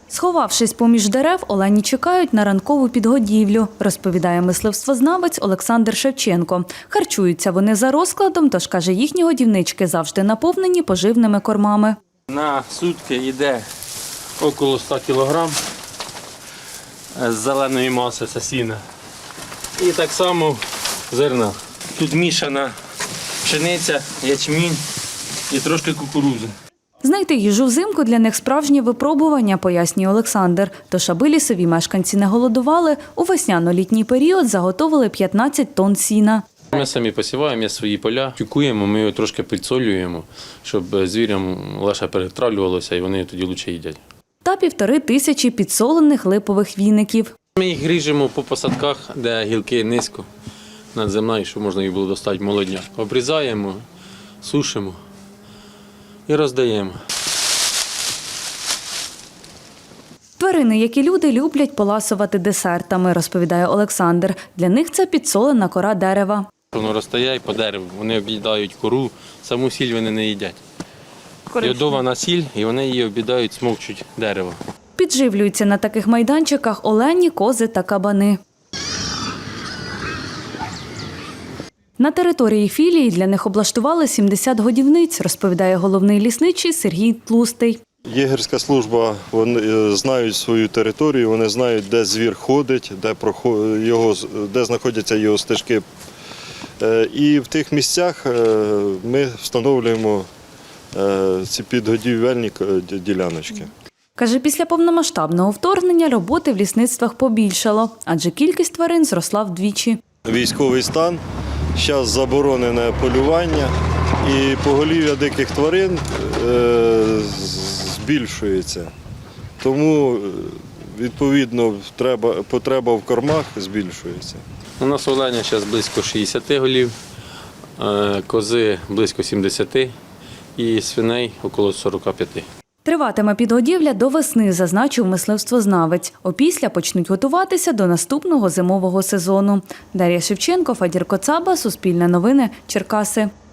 Сховавшись поміж дерев, олені чекають на ранкову підгодівлю, розповідає мисливствознавець Олександр Шевченко. Харчуються вони за розкладом, тож, каже, їхні годівнички завжди наповнені поживними кормами. На сутки йде около 100 кг з зеленої маси, це сіна. І так само зерна. Тут мішана пшениця, ячмінь і трошки кукурудзи. Знайти їжу взимку для них справжнє випробування, пояснює Олександр. Тож, аби лісові мешканці не голодували, у весняно-літній період заготовили 15 тонн сіна. Ми самі посіваємо, є свої поля, тюкуємо, ми його трошки підсолюємо, щоб звірям легше перетравлювалося і вони тоді краще їдять. Та 1500 підсолених липових віників. Ми їх ріжемо по посадках, де гілки низько над землею, щоб можна їх було достати молодня. Обрізаємо, сушимо і роздаємо. Тварини, як і люди, люблять поласувати десертами, розповідає Олександр. Для них це підсолена кора дерева. Воно розтає по дереву, вони об'їдають кору, саму сіль вони не їдять. Йодована сіль, і вони її об'їдають, смокчуть дерево. Підживлюються на таких майданчиках олені, кози та кабани. На території філії для них облаштували 70 годівниць, розповідає головний лісничий Сергій Тлустий. Єгерська служба, вони знають свою територію, вони знають, де звір ходить, де знаходяться його стежки. І в тих місцях ми встановлюємо ці підгодівельні діляночки. Каже, після повномасштабного вторгнення роботи в лісництвах побільшало, адже кількість тварин зросла вдвічі. Військовий стан, зараз заборонене полювання і поголів'я диких тварин збільшується. Тому, відповідно, потреба в кормах збільшується. У нас оленя зараз близько 60 голів, кози близько 70 і свиней около 45. Триватиме підгодівля до весни, зазначив мисливствознавець. Опісля почнуть готуватися до наступного зимового сезону. Дар'я Шевченко, Фадір Коцаба, Суспільне новини, Черкаси.